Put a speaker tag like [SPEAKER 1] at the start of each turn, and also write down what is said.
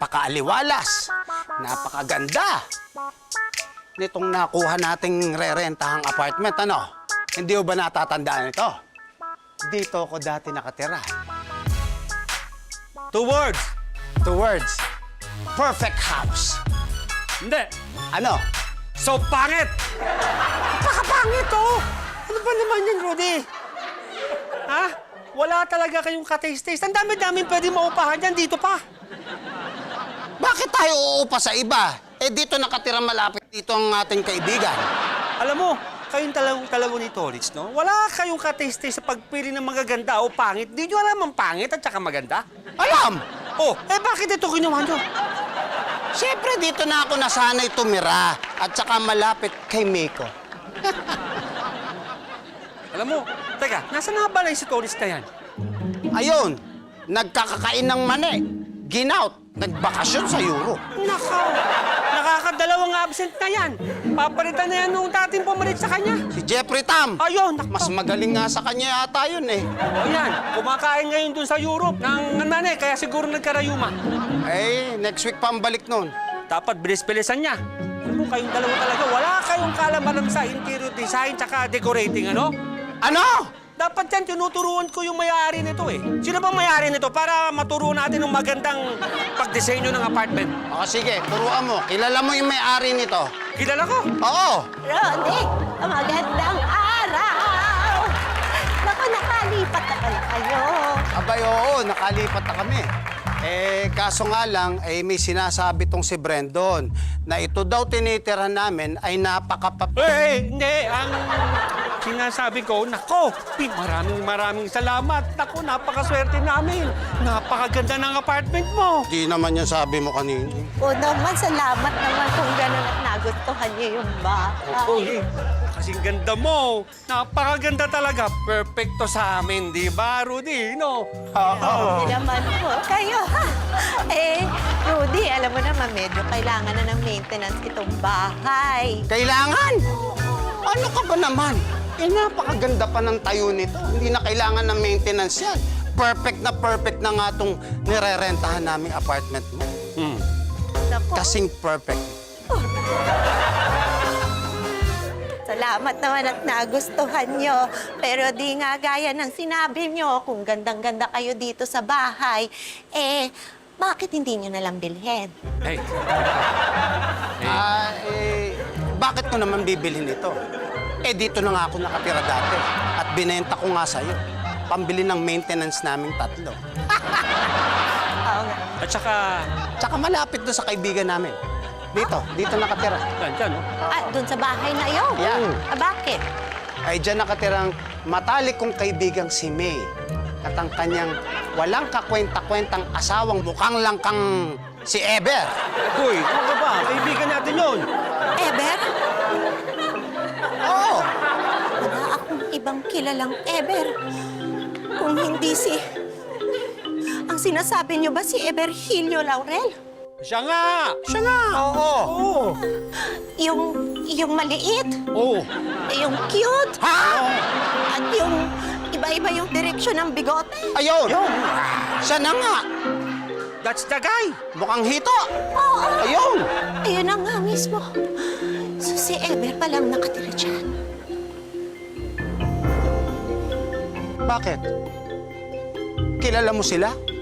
[SPEAKER 1] napakaaliwalas, napakaganda nitong nakuha nating re-rentahang apartment, ano? Hindi mo ba natatandaan ito? Dito ako dati nakatira.
[SPEAKER 2] 2 words.
[SPEAKER 1] 2 words. Perfect house.
[SPEAKER 2] Hindi.
[SPEAKER 1] Ano?
[SPEAKER 2] So pangit!
[SPEAKER 1] Napakapangit, oh!
[SPEAKER 2] Ano ba naman yan, Rudy? Ha? Wala talaga kayong ka-taste-taste. Ang dami-dami pwede maupahan dyan. Dito pa.
[SPEAKER 1] Bakit tayo uupa sa iba? Eh, dito nakatira malapit dito ang ating kaibigan.
[SPEAKER 2] Alam mo, kayong talago ni Tolitz, no? Wala kayong ka-taste-taste sa pagpili ng magaganda o pangit. Di nyo alam ang pangit at saka maganda?
[SPEAKER 1] Alam!
[SPEAKER 2] Oh, eh bakit ito ginawa nyo?
[SPEAKER 1] Siyempre, dito na ako nasanay tumira at saka malapit kay Miko.
[SPEAKER 2] Alam mo, teka, nasa na ba lang si Tolitz na yan?
[SPEAKER 1] Ayun, nagkakakain ng mani, ginout, nagbakasyon sa Europe.
[SPEAKER 2] Nakaw! Nakakadalawang absent na yan. Papalitan na yan nung dating pumalit sa kanya.
[SPEAKER 1] Si Jeffrey Tam,
[SPEAKER 2] Ayun,
[SPEAKER 1] mas magaling nga sa kanya yata yun eh.
[SPEAKER 2] Ayan, kumakain ngayon dun sa Europe ng mani, kaya siguro nagkarayuma.
[SPEAKER 1] Eh, next week pa ang balik nun.
[SPEAKER 2] Dapat bilis-bilisan niya. Alam mo, kayong dalawa talaga, wala kayong kalamanan sa interior design tsaka decorating, ano?
[SPEAKER 1] Ano?
[SPEAKER 2] Dapat yan, tinuturuan ko yung may-ari nito eh. Sino bang may-ari nito para maturuan natin ng magandang pagdisenyo ng apartment?
[SPEAKER 1] O sige, turuan mo. Kilala mo yung may-ari nito?
[SPEAKER 2] Kilala ko.
[SPEAKER 1] Oo.
[SPEAKER 3] Rodi, magandang araw! Naku, nakalipat na pala kayo.
[SPEAKER 1] Abay, oo, nakalipat na kami. Eh, kaso nga lang, eh, may sinasabi tong si Brendon na ito daw tinitira namin ay
[SPEAKER 2] Hindi. Ang sinasabi ko, nako, maraming salamat. Nako, napakaswerte namin. Napakaganda ng apartment mo.
[SPEAKER 1] Di naman yung sabi mo kanina.
[SPEAKER 3] O naman, salamat naman kung gano'n at nagustuhan niyo yung bahay.
[SPEAKER 2] Kasing ganda mo. Napakaganda talaga. Perfecto sa amin, di ba, Rudy? No?
[SPEAKER 3] Hindi naman po kayo, ha? Eh, Rudy, alam mo naman, medyo kailangan na ng maintenance itong bahay.
[SPEAKER 1] Kailangan? Ano ka ba naman? Eh, napakaganda pa ng tayo nito. Hindi na kailangan ng maintenance yan. Perfect na nga itong nire-rentahan naming apartment mo.
[SPEAKER 3] Naku,
[SPEAKER 1] Kasing perfect.
[SPEAKER 3] salamat naman at nagustuhan nyo. Pero di nga gaya ng sinabi nyo, kung gandang-ganda kayo dito sa bahay, eh, bakit hindi nyo nalang bilhin?
[SPEAKER 2] Hey.
[SPEAKER 1] Bakit ko naman bibilhin ito? Eh, dito na nga ako nakatira dati. At binenta ko nga sa'yo. Pambili ng maintenance naming 3.
[SPEAKER 3] Oo nga.
[SPEAKER 2] At saka,
[SPEAKER 1] Tsaka malapit doon sa kaibigan namin. Dito nakatira.
[SPEAKER 2] dyan, no?
[SPEAKER 3] Ah, dun sa bahay na yun?
[SPEAKER 1] Yeah.
[SPEAKER 3] Ah, bakit?
[SPEAKER 1] Ay dyan nakatirang matalik kong kaibigang si May. At ang kanyang walang kakwenta-kwentang asawang mukhang lang kang si Eber.
[SPEAKER 2] Uy, ano ka ba? Kaibigan natin yun.
[SPEAKER 3] Eber?
[SPEAKER 1] Oo.
[SPEAKER 3] Wala akong ibang kilalang Eber. Kung hindi si... Ang sinasabi niyo ba si Eberhilio Laurel?
[SPEAKER 2] Siya nga!
[SPEAKER 1] Siya nga. Oo.
[SPEAKER 2] Oo.
[SPEAKER 3] Yung maliit?
[SPEAKER 2] Oo.
[SPEAKER 3] Yung cute?
[SPEAKER 1] Ha?
[SPEAKER 3] At yung iba-iba yung direksyon ng bigote?
[SPEAKER 1] Ayun. Siya na nga.
[SPEAKER 2] That's the guy.
[SPEAKER 1] Mukhang hito.
[SPEAKER 3] Oo.
[SPEAKER 1] Ayun.
[SPEAKER 3] Ayun na nga mismo. So si Eber palang nakatira dyan.
[SPEAKER 1] Bakit? Kilala mo sila?